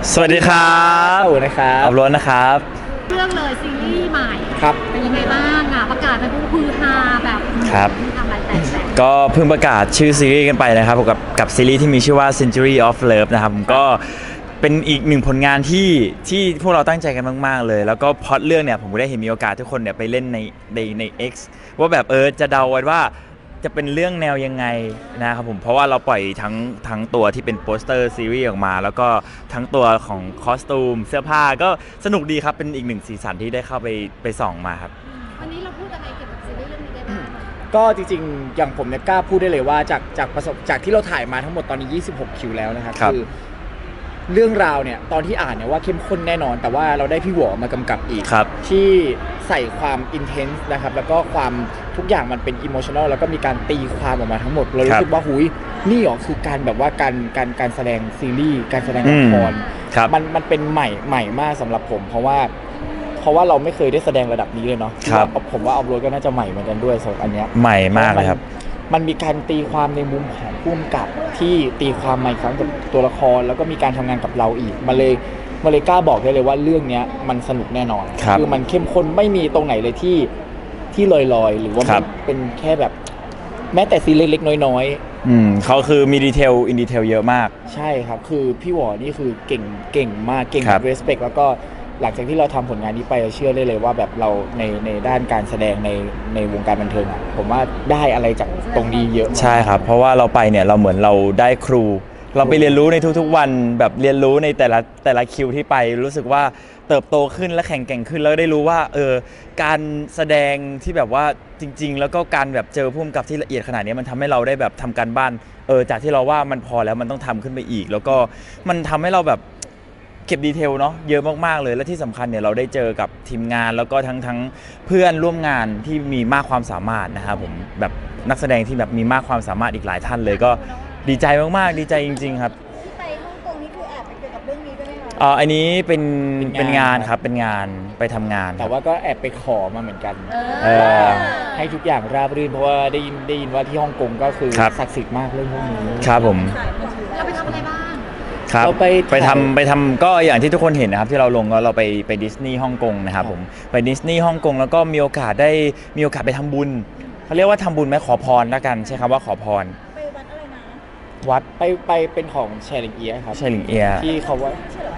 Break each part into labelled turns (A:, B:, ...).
A: สวัสดีครับ
B: อู๋นะครับ
A: อับล้วนนะครับ
C: เรื่องเลยซีรีส์ใหม่
B: ครับ
C: เป็นยังไงบ้างอ่ะประกาศไปปุ๊บฮือฮาแบบ
A: ครับ
C: ทำอะไรแต่
A: ก็เพิ่งประกาศชื่อซีรีส์กันไปนะครับกับซีรีส์ที่มีชื่อว่า Century of Love นะครับผมก็เป็นอีกหนึ่งผลงานที่พวกเราตั้งใจกันมากๆเลยแล้วก็พล็อตเรื่องเนี่ยผมก็ได้เห็นมีโอกาสทุกคนเนี่ยไปเล่นใน X ว่าแบบจะเดาไว้ว่าจะเป็นเรื่องแนวยังไงนะครับผมเพราะว่าเราปล่อยทั้งตัวที่เป็นโปสเตอร์ซีรีส์ออกมาแล้วก็ทั้งตัวของคอสตูมเสื้อผ้าก็สนุกดีครับเป็นอีกหนึ่งสีสันที่ได้เข้าไปส่องมาครับ
C: วันนี้เราพูดอะไรเกี่ยวกับซีรีส์เรื่องนี้ได้บ้าง
B: ก็จริงๆอย่างผมเนี่ยกล้าพูดได้เลยว่าจากที่เราถ่ายมาทั้งหมดตอนนี้26คิวแล้วนะครับคือเรื่องราวเนี่ยตอนที่อ่านเนี่ยว่าเข้มข้นแน่นอนแต่ว่าเราได้พี่หวอมากำกับอีกที่ใส่ความอินเทนส์นะครับแล้วก็ความทุกอย่างมันเป็นอิโมชันอลแล้วก็มีการตีความออกมาทั้งหมดเรารู้สึกว่าหุยนี่หรอคือการแบบว่าการแสดงซีรีส์การแสดงละครมันเป็นใหม่มากสำหรับผมเพราะว่าเราไม่เคยได้แสดงระดับนี้เลยเนาะผมว่าอัพโหลดก็น่าจะใหม่เหมือนกันด้วยสำหรับอันเนี้ย
A: ใหม่มากเลยครับ
B: มันมีการตีความในมุมของผู้กำกับที่ตีความใหม่ครั้งกับตัวละครแล้วก็มีการทำงานกับเราอีกมาเลยกล้าบอกได้เลยว่าเรื่องนี้มันสนุกแน่นอนคือมันเข้มข้นไม่มีตรงไหนเลยที่ลอยหรือว่ามันเป็นแค่แบบแม้แต่ซีเล็กๆน้อย
A: ๆเขาคือมีดีเทลอินดีเทลเยอะมาก
B: ใช่ครับคือพี่หวอนี่คือเก่งมากเก่งแบบเรสเพคแล้วก็หลังจากที่เราทำผลงานนี้ไปเชื่อได้เลยว่าแบบเราในด้านการแสดงในวงการบันเทิงผมว่าได้อะไรจากตรงนี้เยอะ
A: ใช่ครับเพราะว่าเราไปเนี่ยเราเหมือนเราได้ครูเราไปเรียนรู้ในทุกๆวันแบบเรียนรู้ในแต่ละคิวที่ไปรู้สึกว่าเติบโตขึ้นและแข็งแกร่งขึ้นแล้วได้รู้ว่าการแสดงที่แบบว่าจริงๆแล้วก็การแบบเจอผู้กำกับที่ละเอียดขนาดนี้มันทำให้เราได้แบบทำการบ้านจากที่เราว่ามันพอแล้วมันต้องทำขึ้นไปอีกแล้วก็มันทำให้เราแบบเก็บดีเทลเนาะเยอะมากๆเลยและที่สำคัญเนี่ยเราได้เจอกับทีมงานแล้วก็ทั้งเพื่อนร่วมงานที่มีมากความสามารถนะครับผมแบบนักแสดงที่แบบมีมากความสามารถอีกหลายท่านเลยก็ดีใจมากๆดีใจจริงๆครับ
C: ที่ไปฮ่องกงนี่คือแอบไปเกี่ยวกับเรื่องนี้ด้วยไหมคะ
A: อันนี้เป็นงานครับเป็นงานไปทำงาน
B: แต่ว่าก็แอบไปขอมาเหมือนกันให้ทุกอย่างราบรื่นเพราะว่าได้ยินว่าที่ฮ่องกงก็คือศักดิ์สิทธิ์มากเรื่องพวกนี้
A: ครับผม
C: เราไปทำอะไรบ้าง
A: ครับไปทำก็อย่างที่ทุกคนเห็นนะครับที่เราลงเราไปดิสนีย์ฮ่องกงนะครับผมไปดิสนีย์ฮ่องกงแล้วก็มีโอกาสไปทำบุญเขาเรียกว่าทำบุญไหมขอพรแล้วกันใช่คำว่าขอพร
C: ไปวัดอะไรนะ
B: วัดไปเป็นของแชร์ลิงเอียครับ
A: แชร์ลิงเอีย
B: ที่เขาว่า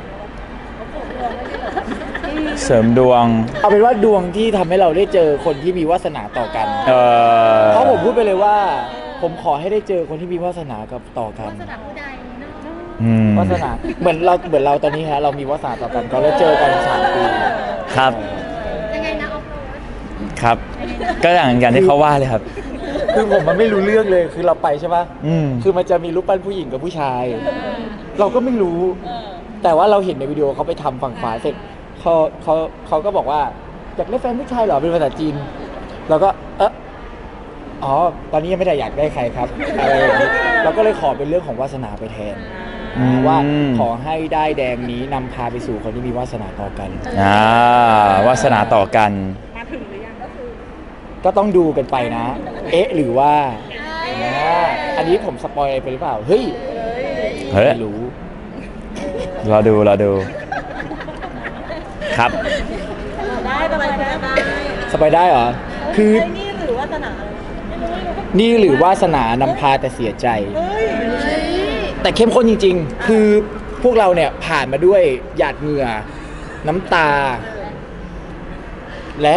A: เสริมดวง
B: เอาเป็นว่าดวงที่ทำให้เราได้เจอคนที่มีวาสนาต่อกันเพราะผมพูดไปเลยว่าผมขอให้ได้เจอคนที่มีวาสนากับต่อกัน
C: วาสนาผู้ใด
B: วาสนาเหมือนเราตอนนี้ฮะเรามีวาสนาต่อกันก็ได้เจอกัน3 ปี
A: ครับ
C: ยังไงนะออฟโร
A: ดครับก็อย่างที่เขาว่าเลยครับ
B: คือผมมันไม่รู้เรื่องเลยคือเราไปใช่ป่ะคือมันจะมีรูปปั้นผู้หญิงกับผู้ชายเราก็ไม่รู้แต่ว่าเราเห็นในวิดีโอเขาไปทำฝั่งขวาเสร็จเขาก็บอกว่าอยากได้แฟนผู้ชายเหรอเป็นภาษาจีนเราก็อ๋อตอนนี้ยังไม่ได้อยากได้ใครครับอะไรอย่างนี้เราก็เลยขอเป็นเรื่องของวาสนาไปแทนว่าขอให้ได้แดงนี้นำพาไปสู่คนที่มีวาสนาต่อกัน
A: วาสนาต่อกัน
C: มาถึงหรือยัง
B: ก็ต้องดูกันไปนะหรือว่าอันนี้ผมสปอยอะไรไปหรือเปล่าเฮ้ยไม่รู้
A: เราดูครับ
C: ได้สบายได้
B: สบายได้เหรอคือ
C: นี่หรือวาสนา
B: นี่หรือวาสนานำพาแต่เสียใจแต่เข้มข้นจริงๆคือพวกเราเนี่ยผ่านมาด้วยหยาดเหงื่อน้ำตาและ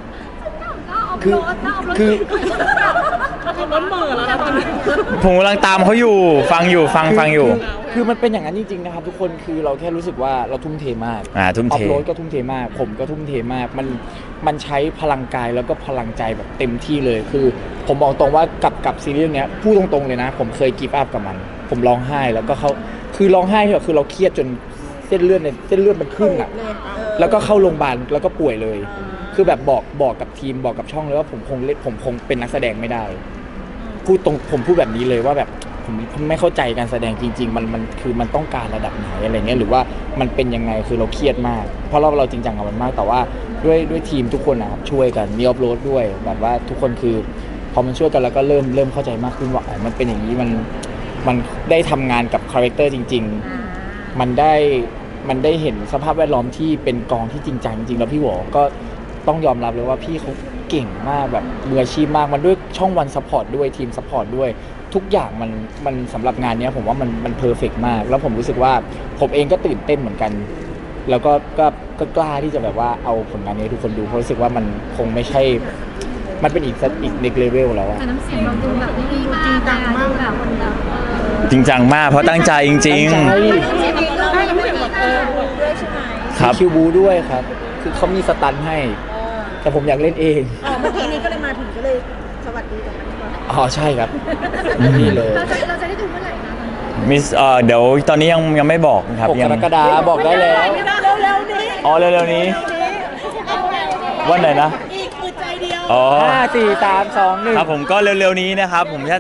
B: คือ
C: ล้นมือแล้วตอนนี้
A: ผมกำลังตามเขาอยู่ฟังอยู่
B: คือมันเป็นอย่างนั้นจริงๆนะครับทุกคนคือเราแค่รู้สึกว่าเราทุ่มเทมาก
A: ทุ่มเท
B: ออฟโรดก็ทุ่มเทมากผมก็ทุ่มเทมากมันใช้พลังกายแล้วก็พลังใจแบบเต็มที่เลยคือผมบอกตรงว่ากับซีรีส์เนี้ยพูดตรงๆเลยนะผมเคยกีฟอัพกับมันผมร้องไห้แล้วก็เขาคือร้องไห้คือเราเครียดจนเส้นเลือดมันขึ้นอ่ะแล้วก็เข้าโรงพยาบาลแล้วก็ป่วยเลยคือแบบบอกกับทีมบอกกับช่องเลยว่าผมคงเป็นนักแสดงไม่ได้ผมพูดแบบนี้เลยว่าแบบผมไม่เข้าใจการแสดงจริงๆมันคือมันต้องการระดับไหนอะไรเงี้ยหรือว่ามันเป็นยังไงคือเราเครียดมากเพราะเราจริงจังกับมันมากแต่ว่าด้วยทีมทุกคนนะครับช่วยกันมีออฟโรดด้วยแบบว่าทุกคนคือพอมันช่วยกันแล้วก็เริ่มเข้าใจมากขึ้นว่ามันเป็นอย่างนี้มันได้ทำงานกับคาแรคเตอร์จริงๆมันได้มันได้เห็นสภาพแวดล้อมที่เป็นกองที่จริงจังจริงๆแล้วพี่หวอก็ต้องยอมรับเลยว่าพี่เขาเก่งมากแบบมืออาชีพมากมันด้วยช่องวันซัพพอร์ตด้วยทีมซัพพอร์ตด้วยทุกอย่างมันสำหรับงานเนี้ยผมว่ามันเพอร์เฟกต์มากแล้วผมรู้สึกว่าผมเองก็ตื่นเต้นเหมือนกัน แล้วก็กล้าที่จะแบบว่าเอาผลงานนี้ให้ทุกคนดูเพราะรู้สึกว่ามันคงไม่ใช่มันเป็นอีกเน็กเลเวลแล้วอะ
D: แต่น้ำเสียงเราดูแบบนี่มากจริงจังมากแบบคนแบบ
A: จริงจังมากเพราะตั้งใจจริง
B: ตั้งใจ
C: เราไม่ได้แบบด้วยใช่ไหม
A: ๆครับ
B: มีคิวบูด้วยครับ คือเขามีสตันให้ แต่ผมอยากเล่นเอง
C: เมื่อกี้นี้ก็เลยมาถึงก็เลยสวัสดีกันก่อน
B: อ๋อใช่ครับนี่เลย
D: เราจะได้ดูเมื่อไหร่นะตอนนี้
A: มิสเดี๋ยวตอนนี้ยังไม่บอกนะครับ
B: 6 ก
A: ยัง
B: รกฎาคมบอกได้แล้ว
C: เร็วๆนี้
A: อ๋อเร็วๆนี้ วันไหนนะ
C: อีกอึดใจเดียว
A: อ๋อ
B: 5 4 3 2 1
A: ครับผมก็เร็วๆนี้นะครับ ผมจะ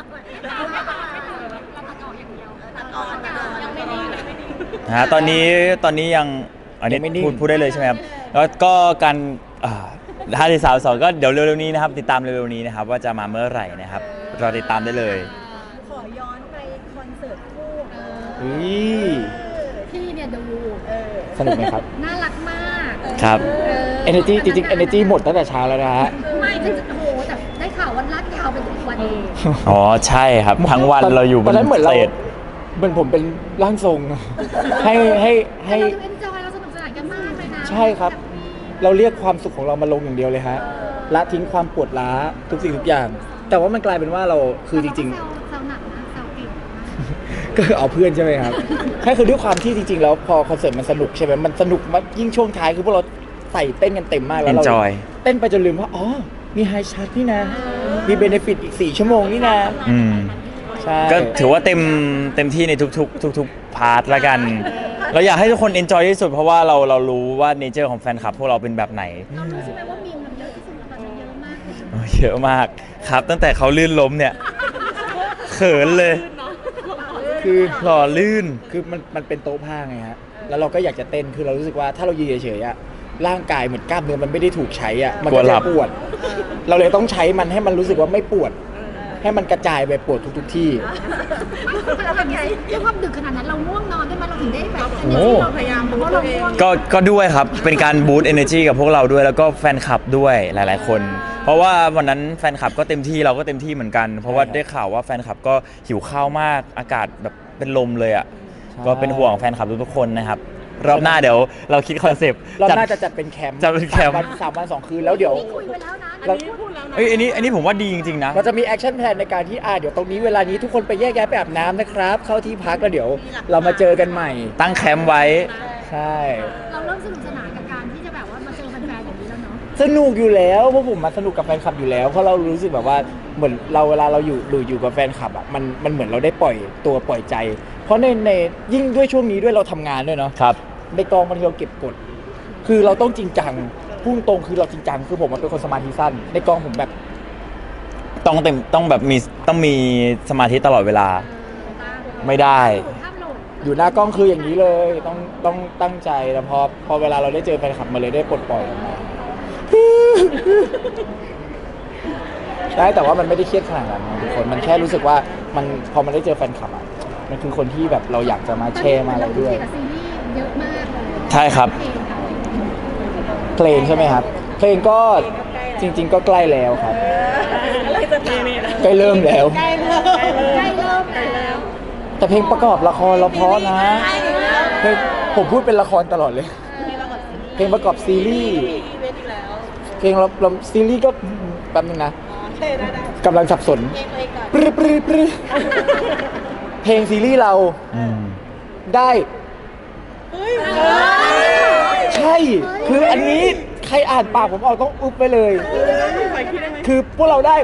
A: ตอนนี้ยังอันนี้
B: ยังไม่นิ่ง
A: พูดได้เลยใช่ไหมครับแล้วก็การ5 4 3 2ก็เดี๋ยวเร็วๆนี้นะครับติดตามเร็วๆนี้นะครับว่าจะมาเมื่อไหร่นะครับรอติดตามได้เลย
C: ขอย้อนไปคอนเสิร์ตคู่
B: อุ้ย
D: พี่เนี่ยดู
B: สนุกไหมครับ
D: น่ารักมาก
A: ครับ
B: Energy จริงๆ Energy หมดตั้งแต่เช้าแล้วนะฮะ
D: ไม่จะโอ้โหแต่ได้ข่าววันลากยาวไปถึงวันนี้
A: อ๋อใช่ครับทั้งวันเราอยู่บ
B: ตอน
A: น
B: นั้นเหมือน
A: ส
B: เรา
A: เตจ
B: เหมือนผมเป็นร่างทรง ให้ให้
D: เราเอ็นจอยเราสนุกสนานกันมากเลยนะ
B: ใช่ครับ เราเรียกความสุขของเรามาลงอย่างเดียวเลยฮะละทิ้งความปวดล้าทุกสิ่งทุกอย่าง แต่ว่ามันกลายเป็นว่าเราคือจริง
D: ๆแซวหนักนะแซวเก่งนะ
B: ๆ ก็คือเอาเพื่อนใช่ไหมครับ แค่คือด้วยความที่จริงๆ แล้วพอคอนเสิร์ตมันสนุกใช่ไหมมันสนุกมากยิ่งช่วงท้ายคือพวกเราใส่เต้นกันเต็มมากแล้วเรา
A: Enjoy
B: เต้นไปจนลืมว่าอ๋อมีไฮชาร์ตนี่นะ มีเบเนฟิตอีก4 ชั่วโมงนี่นะ
A: อืม
B: ใช่
A: ก็ถือว่าเต็มที่ในทุกพาร์ทละกัน เราอยากให้ทุกคนเอนจอยที่สุดเพราะว่าเรารู้ว่าเนเจอร์ของแฟนคลับพวกเราเป็นแบบไหน
D: เรารู้ใช่ไหมว่ามีมมันเยอะที่สุดตอนนี้เยอะมากเลย
A: เยอะมากครับ ตั้งแต่เขาลื่นล้มเนี่ย เขินเลย
B: คือ
A: หล่อลื่น
B: คือมันเป็นโต๊ะผ้าไงฮะ แล้วเราก็อยากจะเต้น คือเรารู้สึกว่าถ้าเรายืนเฉยๆอะร่างกายเหมือนกล้ามเนื้อมันไม่ได้ถูกใช้อะมั
A: กลั
B: ก็
A: วหลั
B: จะ
A: บ
B: ปวด เราเลยต้องใช้มันให้มันรู้สึกว่าไม่ปวด ให้มันกระจายไปปวดทุกที่
D: เราแบบด้วยความดึกขนาดนั้นเราง่วงนอนได้ไหมเราถึงได้แบบ
B: โอ้
C: เราพยายามเพราะเราง่วง
A: ก็ด้วยครับ เป็นการบูต energy กับพวกเราด้วย แล้วก็แฟนคลับด้วยหลายๆคน เพราะว่าวันนั้นแฟนคลับก็เต็มที่เราก็เต็มที่เหมือนกัน เพราะว่าได้ข่าวว่าแฟนคลับก็หิวข้าวมากอากาศแบบเป็นลมเลยอ่ะ
B: ใช่
A: ก็เป็นห่วงแฟนคลับทุกๆคนนะครับ รอบหน้าเดี๋ยวเราคิดคอนเซปต์
B: ๆเราน่าจะจัดเป็นแคมป์
A: จัดเป็นแคมป์
B: 3 วัน 2 คืนแล้วเดี๋ยว
D: นี่คุยไปแล้วนะ
B: เรา
D: พูดแล้วนะ
A: เอ้ยอันนี้ผมว่าดีจริงๆนะ
B: เราจะมีแอคชั่นแพลนในการที่เดี๋ยวตรงนี้เวลานี้ทุกคนไปแยกย้ายไปอาบน้ำนะครับ เข้าที่พักแล้วเดี๋ยวเรามาเจอกันใหม่
A: ตั้งแคมป์ไว้
B: ใช่
D: เราเริ่มสนุกสนานกับการที่จะแบบว่ามาเจอแฟนๆอย่างนี้แล้วเนาะ
B: สนุกอยู่แล้วเพราะผมมาสนุกกับแฟนคลับอยู่แล้วเพราะเรารู้สึกแบบว่าเหมือนเราเวลาเราอยู่กับแฟนคลับอ่ะมันเหมือนเราได้ปล่อยตัวปล่อยใจ เพราะในยิ่งด้วยช่วงนี้ด้วยเราทำงานด้วยเนาะ
A: ครับ
B: ในกองบางทีเราเก็บกด คือเราต้องจริงจังพุ่งตรงคือเราจริงจังคือผมเป็นคนสมาธิสั้น ในกองผมแบบ
A: ต้องแบบต้องมีสมาธิตลอดเวลา ไม่ได้
D: ภาพหลุด
B: อยู่หน้ากล้องคืออย่างนี้เลยต้องตั้งใจแล้วพอเวลาเราได้เจอแฟนคลับมาเลยได้ปลดปล่อยออกมาใช่แต่ว่ามันไม่ได้เครียดขนาดนั้นนะทุกคนมันแค่รู้สึกว่ามันพอมันได้เจอแฟนคลับอ่ะมันคือคนที่แบบเราอยากจะมาแชร์มาอะไรด้วย
D: กับซีรีส์เยอะมากเลย
A: ใช่ครับ
B: เพลงใช่ไหมครับ เพลงก็จริง ๆ ก็ใกล้แล้วครับ
C: อะไรจะตาม
B: ใกล้เริ่มแล้ว
C: ใกล้เริ่ม
D: ใกล้เริ่มแล้ว
B: แต่เพลงประกอบละครเราเพราะนะเพลงผมพูดเป็นละครตลอดเลย เพลงประกอบซีรีส์
C: อีเวนต์อีกแล้ว
B: เพลงเราซีรีส์ก็แป๊บนึงนะ
C: โอเคได้
B: กำลังสับสน
C: เพลงตัวเองก่อน
B: ปรึปรึปรึเพลงซีรีส์เรา
A: อืม
B: ได้
C: เฮ้ย
B: ใช่ คืออันนี้ใครอ่านปากผมออกต้องอุ๊บไปเลย
C: ไปคิดได้ไหม
B: คือพวกเราได้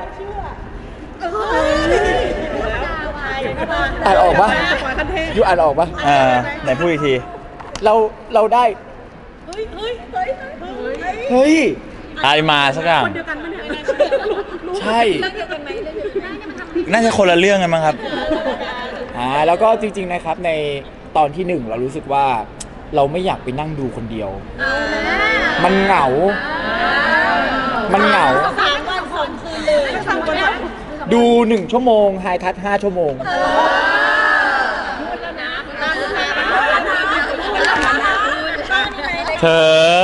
B: อ่านออกปะ
C: คันเทพ
B: ยูอ่านออกปะ
A: ไหนพูดอีกที
B: เราได้
C: เฮ้ยเฮ้ยเฮ้ยเฮ้ย
B: เฮ้ย
A: อะไรมาสักอย่าง
C: คนเดียวกันปะเนี่ย
B: ใช่
C: เรื่องเดียวกันไหมเรื่องเดียวกันไหม
A: น่าจะคนละเรื่องกันมั้งครับ
B: แล้วก็จริงๆนะครับในตอนที่ 1 เรารู้สึกว่าเราไม่อยากไปนั่งดูคนเดียว มันเหงา มันเหงา
C: 3 วัน 2 คืนเลย3 วัน
B: ดู 1 ชั่วโมงไฮทัช5 ชั่วโมง
C: ตาม
A: เธอ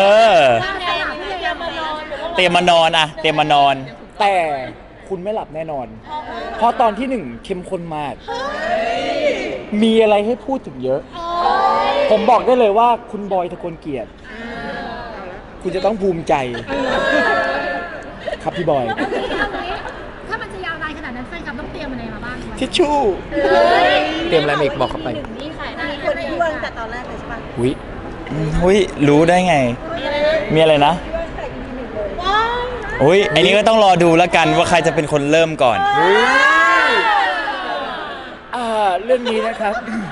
A: เตรียมมานอนอะเตรียมมานอน
B: แต่คุณไม่หลับแน่นอน เพราะตอนที่หนึ่งเข้มข้นมาก มีอะไรให้พูดถึงเยอะ ผมบอกได้เลยว่าคุณบอยทะกลเกียรติ คุณจะต้องภูมิใจ ครับพี่บอย
D: ถ้ามันจะยาวนานขนาดนั้นแฟนคลับต้องเตรียมอะไรมาบ้าง
B: ทิชชู่ เตรียมอะไรมาอีกบอกเข้าไป
C: นี่ขายได้คนที่วางแต่ตอนแรกเลยใช่ปะ
B: อุ้ย
A: อุ้ยรู้ได้ไง มีอะไรนะ อุ้ยอันนี้ก็ต้องรอดูแล้วกันว่าใครจะเป็นคนเริ่มก่อน
B: เรื่องนี้นะครับ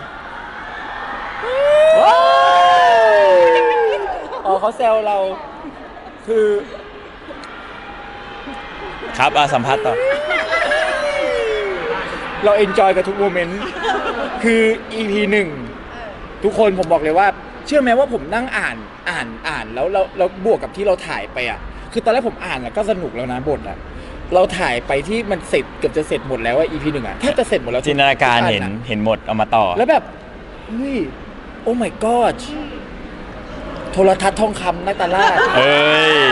B: อ๋อเขาแซวเรา คือ
A: ครับสัมภาษณ์ต่อ
B: เราเอนจอยกับทุกโมเมนต์ คือ EP 1 ทุกคนผมบอกเลยว่า เชื่อไหมว่าผมนั่งอ่านแล้วบวกกับที่เราถ่ายไปอ่ะ คือตอนแรกผมอ่านแล้วก็สนุกแล้วนะบทอ่ะ เราถ่ายไปที่มันเสร็จเกือบจะเสร็จหมดแล้วอ่ะ EP 1อ่ะแทบจะเสร็จหมดแล้ว
A: จินตนาการเห็น
B: ทุอัะ
A: เห็นหมดเอามาต่อ
B: แล้วแบบเฮ้ยโอ้ my god โทรทัศน์ทองคำนาตาลาด
A: เอ้ย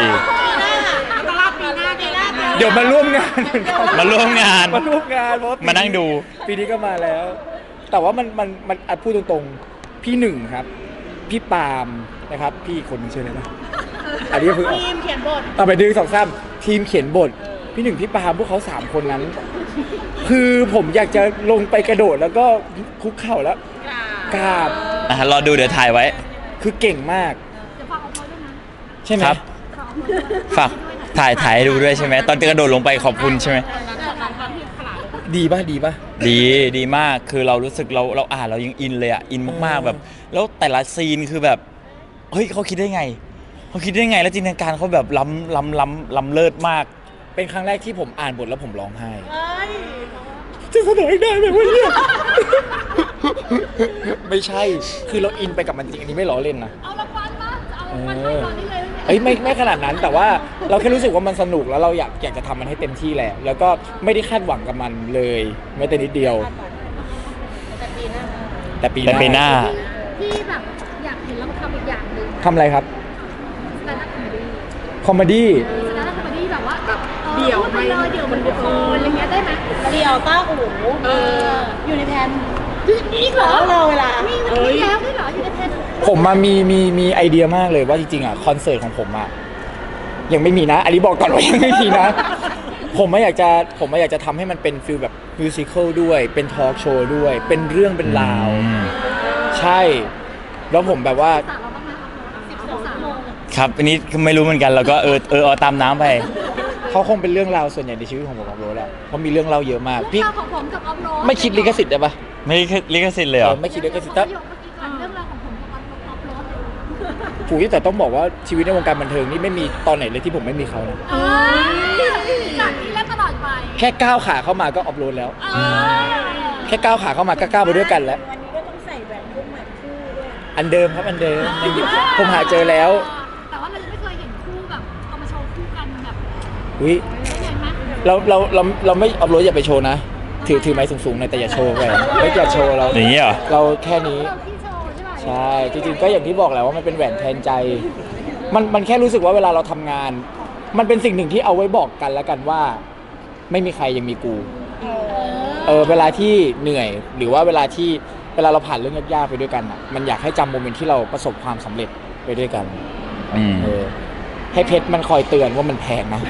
B: เดี๋ยวมาร่วมงานเหมือนกัน
A: มาร่วมงาน
B: มาร่วมงานเพราะว่
A: มานั่งดู
B: ปีนี้ก็มาแล้ว แต่ว่ามันพูดตรงๆ พี่หนึ่งครับ พี่ปาล์มนะครับ พี่อีกคนนึงชื่ออะไรนะอันนี้เพิ่งออก
C: ทีมเขียนบท
B: เอาไปดึงสองซ้ำทีมเขียนบท พี่หนึ่งพี่ปาล์มพวกเขา3 คนนั้น คือผมอยากจะลงไปกระโดดแล้วก็คุกเข่าแล้วกราบ
A: รอดูเดี๋ยวถ่ายไว้
B: คือเก่งมาก
D: จะฝากเอาไว้ด้วยนะ
B: ใช่ไหม
A: ครับ ฝากถ่ายให้ดูด้วยใช่ไหม ตอนกระโดดลงไปขอบคุณใช่ไหม
B: ดีป่ะดีป่ะ
A: ดีมากคือเรารู้สึกเราอ่านเรายังอินเลยอ่ะอินมากๆแบบ แล้วแต่ละซีนคือแบบเฮ้ยเขาคิดได้ไงแล้วจินตนาการเขาแบบล้ำเลิศมาก
B: เป็นครั้งแรกที่ผมอ่านบทแล้วผมร้องไห้ จะแสดงได้ไหมวะเนี่ย ไม่ใช่ คือเราอินไปกับมันจริงอันนี้ไม่ล้อเล่นนะ
D: เอารางวัลมาเอารางวัลให้ตอนนี้เลย
B: เอ้ยไม่ขนาดนั้นแต่ว่าเราแค่รู้สึกว่ามันสนุกแล้วเราอยากจะทำมันให้เต็มที่แหละ แล้วก็ไม่ได้คาดหวังกับมันเลยแม้แต่นิดเดียว แต่ปี
A: แต่ปีหน้า
D: ที่แบบอยากเห็นเราทำอีกอย่างหนึ่ง
B: ทำอะไรครับ
D: สแตนด์อัพคอมเมดี้
B: คอมเมดี้
D: สแตนด์อัพคอมเมดี้แบบว่าเดี่ยวไปเลยเดี่ยวบนบุคคลอะไรเงี้ยได้ไหม
C: เดี่ยวต้าอู๋อยู่ในแผน
D: อีกเหรอ
C: รอเวลา
D: มีแล้วด้วยเหรออยู่ในแพน
B: ผมมามีไอเดียมากเลยว่าจริงๆอ่ะคอนเสิร์ตของผมอ่ะยังไม่มีนะ อันนี้บอกก่อนว่ายังไม่มีนะ ผมอยากจะทำให้มันเป็นฟิลแบบมิวสิควลด้วย เป็นทอล์กโชว์ด้วย เป็นเรื่องเป็นราว ใช่ แล้วผมแบบว่า
D: สามเราบ้างนะ12 ชั่วโมง
A: ครับอันนี้ไม่รู้เหมือนกันเราก็เอาตามน้ำไป
B: เขาคงเป็นเรื่องราวส่วนใหญ่ในชีวิตของผมกับโรสแหละเพราะมีเรื่องเล่าเยอะมาก
D: พี่
B: พี่
D: ของผมกับออฟโรด
B: ไม่คิดลิขสิทธิ์ได้ปะ
A: ไม่ลิขสิทธิ์เลยเหรอ
B: ไม่คิดลิขสิทธิ์
D: แต่
B: แต่
D: เรื่องราวของผมกับออฟโรด
B: ผูแต่ต้องบอกว่าชีวิตในวงการบันเทิงนี่ไม่มีตอนไหนเลยที่ผมไม่มีเขานะ
D: จากนี้และตลอดไป
B: แค่ก้าวขาเข้ามาก็ออฟโรดแล้ว แค่ก้าวขาเข้ามาก็ก้าวไปด้วยกันแล้ว
C: วันนี้ก็ต้องใส่แหวนพวกใหม่คู่ด้วย
B: อันเดิมครับอันเดิมยังอยู่ผมหาเจอแล้ว
D: แต่ว่าเรายังไม่เคยเห็นคู่แบบเอามาโชว์คู่กันแบบ
B: อุ้ย
D: เห็นไหม
B: เราไม่ออฟโรดอย่าไปโชว์นะ ถือไม้สูงๆหน่อยแต่อย่าโชว์ไปไม่อย่าโชว์เรา
A: อย่างนี้เหรอ
B: เราแค่นี้
D: เราที่โชว์ใช่ไหม
B: ใช่จริงๆก็อย่างที่บอกแหละว่ามันเป็นแหวนแทนใจ มันแค่รู้สึกว่าเวลาเราทำงาน มันเป็นสิ่งหนึ่งที่เอาไว้บอกกันแล้วกันว่า ไม่มีใครยังมีกูเวลาที่เหนื่อย หรือว่าเวลาเราผ่านเรื่องยากๆไปด้วยกันอ่ะมันอยากให้จำโมเมนต์ที่เราประสบความสำเร็จไปด้วยกัน
A: อืม
B: ให้เพชรมันคอยเตือนว่ามันแพงนะ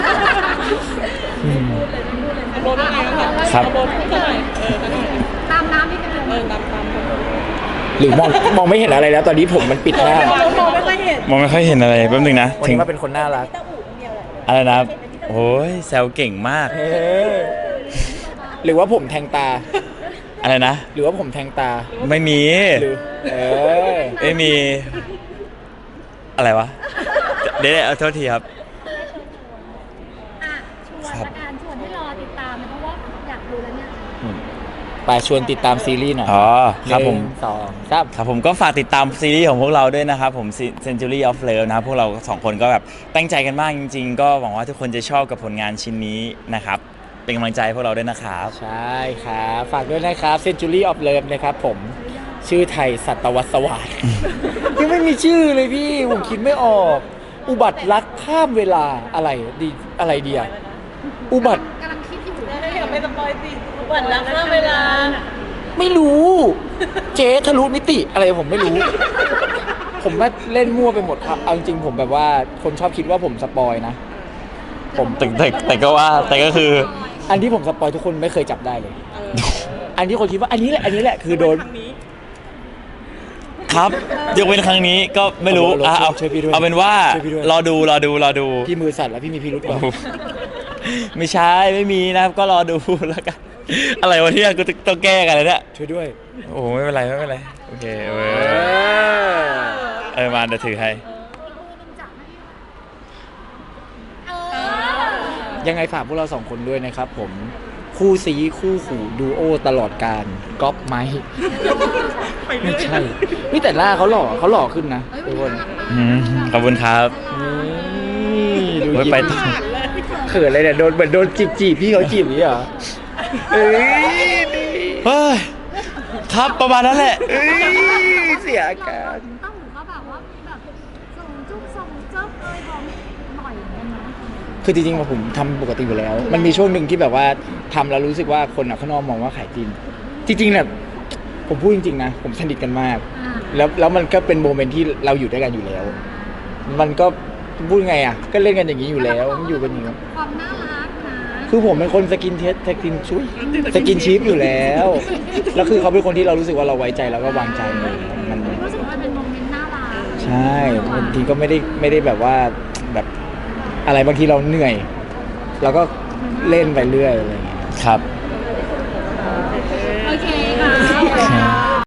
A: ครับ
D: ตามน้ำนิดนึง
B: หรือมองไม่เห็นอะไรแล้ว ตอนนี้ผมมันปิดหน้า
C: เราไม่ค่อยเห็น
A: มองไม่ค่อยเห็นอะไรแป๊บนึงนะ
B: วัน
A: ถึง
B: นี้มาเป็นคนน่ารัก
C: ต้าอู๋คนเดียวแหละ
A: อะไรนะโอ้ยแซวเก่งมาก
B: หรือว่าผมแทงตา
A: อะไรนะ
B: หรือว่าผมแทงตา
A: ไม่มี
B: หรือ
A: ไม่มี อะไรวะ เดี๋ยวเอาโทษทีครับ
D: อ่ะชวนละกันชวนให้รอติดตามนะเพราะว่าอยากดูแล้วเนี่ย
B: ไปชวนติดตามซีรีส์หน่อย
A: อ๋อครับผม
B: 1 2 3
A: ครับผมก็ฝากติดตามซีรีส์ของพวกเราด้วยนะครับผม Century of Love นะครับพวกเรา2 คนก็แบบตั้งใจกันมากจริงๆ ก็หวังว่าทุกคนจะชอบกับผลงานชิ้นนี้นะครับ เป็นกำลังใจให้พวกเราด้วยนะครับ
B: ใช่ครับฝากด้วยนะครับ Century of Love นะครับผมชื่อไทยสัตวสวัสดิ์ยังไม่มีชื่อเลยพี่ผมคิดไม่ออก อุบัติรักข้ามเวลาอะไรดีอะไรดีอะอุบัติ
D: กำลังคิดอยู่
C: อย่าไปสปอยสิวันละข้ามเวลา
B: ไม่รู้ เจ๊ทะลุมิติอะไรผมไม่รู้ ผมว่าเล่นมั่วไปหมดครับเอาจริงๆผมแบบว่าคนชอบคิดว่าผมสปอยนะ ผม
A: แต่ก็ว่าแต่ก็คือ
B: อันที่ผมสปอยทุกคนไม่เคยจับได้เลย อันที่คนคิดว่าอันนี้แหละคือโดน
A: ครับยกเว้นครั้งนี้ก็ไม่รู้
B: เอา
A: เอา
B: ช่วยพี่ด้วย
A: เอาเป็นว่า
B: ช่วยพี่ด้วย
A: รอดู
B: พี่มือสั่นแล้วพี่มีพิรุธเปล่า
A: ไม่ใช่ไม่มีนะครับก็รอดูแล้วกัน อะไรวะเนี่ยกูต้องแก้กันเลยเนี่ย
B: ช่วยด้วย
A: โอ้ไม่เป็นไรโอเคมาเดี๋ยวถือให้
B: ยังไงฝากพวกเราสองคนด้วยนะครับผมคู่ซีคู่หูดูโอตลอดการก๊อปไม้ไม่ใช่นี่แต่หน้าเขาหล่อขึ้นนะทุกคน
A: ขอบคุณครับ
B: นี่ดู
A: ไว้
B: ยิ้ม
A: ไปต่อ
B: เขินเลยเนี่ยเหมือนโดนจีบพี่เขาจีบอย่างนี้เหรอเอ้ย
A: เฮ้ยครับประมาณนั้นแหละ
B: เสียอาการ
D: ต้องหรือว่าแบบว่าแบบส่งจุ๊บส่งเจ๊บเลยบอกบ่อยเหมือนกันนะ
B: คือจริงๆผมทำปกติอยู่แล้ว มันมีช่วงหนึ่งที่แบบว่าทำแล้วรู้สึกว่าคนข้างนอกมองว่าขายจริงจริงๆเนี่ยผมพูดจริงๆนะผมสนิทกันมาก แล้วมันก็เป็นโมเมนต์ที่เราอยู่ด้วยกันอยู่แล้ว มันก็พูดไงอ่ะก็เล่นกันอย่างนี้อยู่แล้วมันอยู่กันอย่างนี้
D: ความน่ารักนะ
B: คือผมเป็นคนสกินชีพอยู่แล้วแล้วคือเขาเป็นคนที่เรารู้สึกว่าเราไว้ใจแล้วก็วางใจเลยมัน
D: รู้สึกว่าเป็นโมเมนต์น่ารัก
B: ใช่บางทีก็ไม่ได้แบบว่าแบบอะไรบางทีเราเหนื่อยเราก็เล่นไปเรื่อยอะไรอย่างเงี้ย
A: ครับ
D: เ